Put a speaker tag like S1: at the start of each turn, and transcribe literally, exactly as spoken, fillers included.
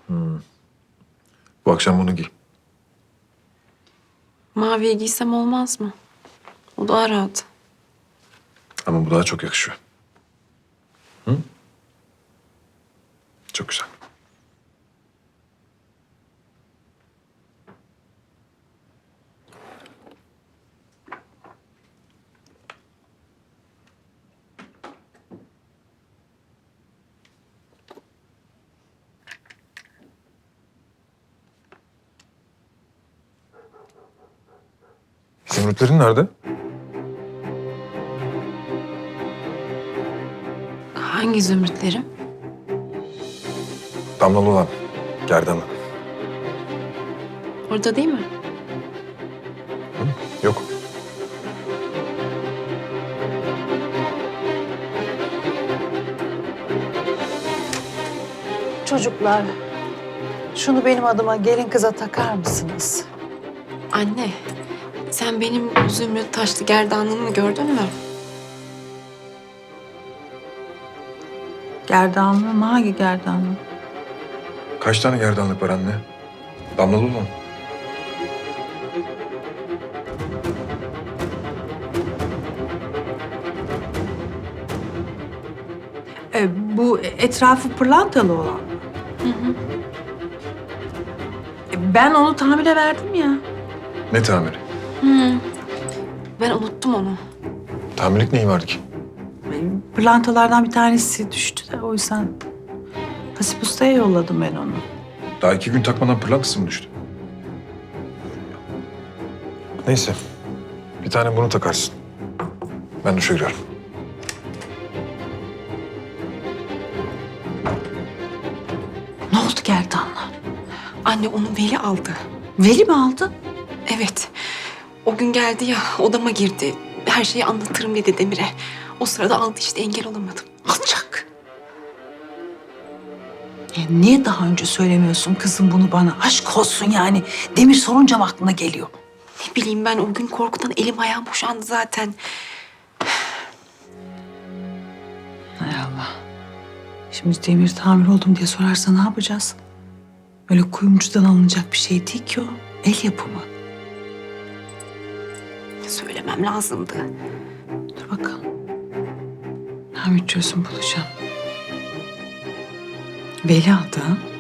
S1: Bu akşam bunu giy.
S2: Maviye giysem olmaz mı? O daha rahat.
S1: Ama bu daha çok yakışıyor. Hı? Çok güzel. Zümrütlerin nerede?
S2: Hangi zümrütlerim?
S1: Damlalı olan. Gerdanlı.
S2: Orada değil mi?
S1: Yok.
S3: Çocuklar, şunu benim adıma gelin kıza takar mısınız?
S2: Anne, sen benim zümrüt taşlı gerdanlığımı gördün mü?
S3: Gerdanlı mı? Hangi gerdanlı?
S1: Kaç tane gerdanlık var anne? Damlalı olan.
S3: E, bu etrafı pırlantalı olan mı?
S2: Hı hı.
S3: E, ben onu tamire verdim ya.
S1: Ne tamiri?
S2: Hı. Ben unuttum onu.
S1: Tamirlik neyi vardı ki?
S3: E, pırlantalardan bir tanesi düştü de o yüzden Hasip Usta'ya yolladım ben onu.
S1: Daha iki gün takmadan pırlantası mı düştü? Neyse. Bir tane bunu takarsın. Ben duşa giriyorum.
S3: Ne oldu gerdanla?
S2: Anne onu Veli aldı.
S3: Veli mi aldı?
S2: Evet. O gün geldi ya odama girdi. Her şeyi anlatırım dedi Demir'e. O sırada aldı işte engel olamadım.
S3: Alacak. E, niye daha önce söylemiyorsun kızım bunu bana? Aşk olsun yani. Demir sorunca mı aklına geliyor?
S2: Ne bileyim ben o gün korkudan elim ayağım boşandı zaten.
S3: Hay Allah. Şimdi Demir tamir oldum diye sorarsa ne yapacağız? Öyle kuyumcudan alınacak bir şey değil ki o. El yapımı.
S2: Söylemem lazımdı.
S3: Dur bakalım. Tamir çözüm bulacağım. Veli aldı ha?